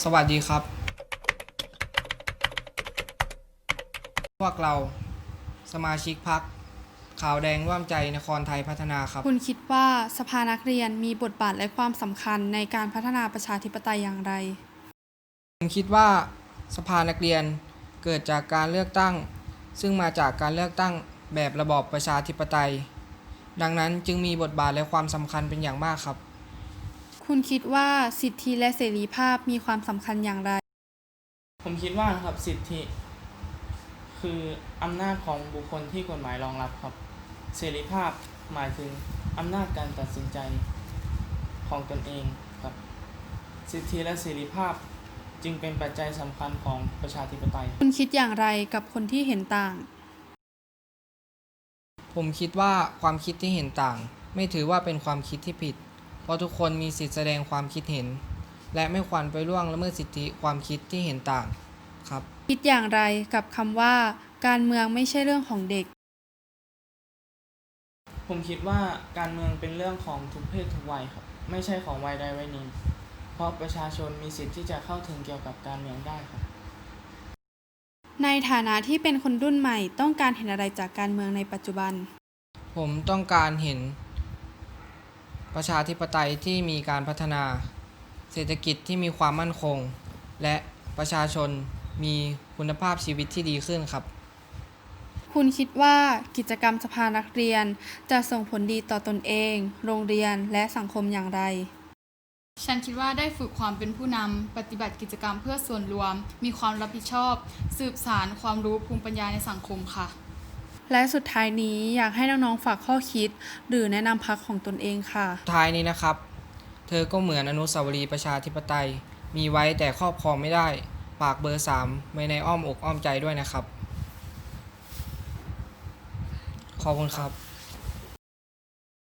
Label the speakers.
Speaker 1: สวัสดีครับพวกเราสมาชิกพรรคขาวแดงร่วมใจนครไทยพัฒนาครับ
Speaker 2: คุณคิดว่าสภานักเรียนมีบทบาทและความสำคัญในการพัฒนาประชาธิปไตยอย่างไร
Speaker 1: ผมคิดว่าสภานักเรียนเกิดจากการเลือกตั้งซึ่งมาจากการเลือกตั้งแบบระบอบประชาธิปไตยดังนั้นจึงมีบทบาทและความสำคัญเป็นอย่างมากครับ
Speaker 2: คุณคิดว่าสิทธิและเสรีภาพมีความสำคัญอย่างไร
Speaker 3: ผมคิดว่านะครับสิทธิคืออำนาจของบุคคลที่กฎหมายรองรับครับเสรีภาพหมายถึงอำนาจการตัดสินใจของตนเองครับสิทธิและเสรีภาพจึงเป็นปัจจัยสำคัญของประชาธิปไตย
Speaker 2: คุณคิดอย่างไรกับคนที่เห็นต่าง
Speaker 1: ผมคิดว่าความคิดที่เห็นต่างไม่ถือว่าเป็นความคิดที่ผิดเพราะทุกคนมีสิทธิแสดงความคิดเห็นและไม่ควรไปล่วงละเมิดสิทธิความคิดที่เห็นต่างครับ
Speaker 2: คิดอย่างไรกับคำว่าการเมืองไม่ใช่เรื่องของเด็ก
Speaker 3: ผมคิดว่าการเมืองเป็นเรื่องของทุกเพศทุกวัยครับไม่ใช่ของวัยใดวัยหนึ่งเพราะประชาชนมีสิทธิ์ที่จะเข้าถึงเกี่ยวกับการเมืองได้ครับ
Speaker 2: ในฐานะที่เป็นคนรุ่นใหม่ต้องการเห็นอะไรจากการเมืองในปัจจุบัน
Speaker 1: ผมต้องการเห็นประชาธิปไตยที่มีการพัฒนาเศรษฐกิจที่มีความมั่นคงและประชาชนมีคุณภาพชีวิตที่ดีขึ้นครับ
Speaker 2: คุณคิดว่ากิจกรรมสภานักเรียนจะส่งผลดีต่อตนเอง โรงเรียนและสังคมอย่างไร
Speaker 4: ฉันคิดว่าได้ฝึกความเป็นผู้นำ ปฏิบัติกิจกรรมเพื่อส่วนรวม มีความรับผิดชอบ สืบสานความรู้ภูมิปัญญาในสังคมค่ะ
Speaker 2: และสุดท้ายนี้อยากให้น้องๆฝากข้อคิด หรือแนะนำพรรคของตนเองค่ะ
Speaker 1: ท้ายนี้นะครับเธอก็เหมือนอนุสาวรีย์ประชาธิปไตยมีไว้แต่ครอบครองไม่ได้ฝากเบอร์3ไว้ในอ้อมอกอ้อมใจด้วยนะครับขอบคุณครับ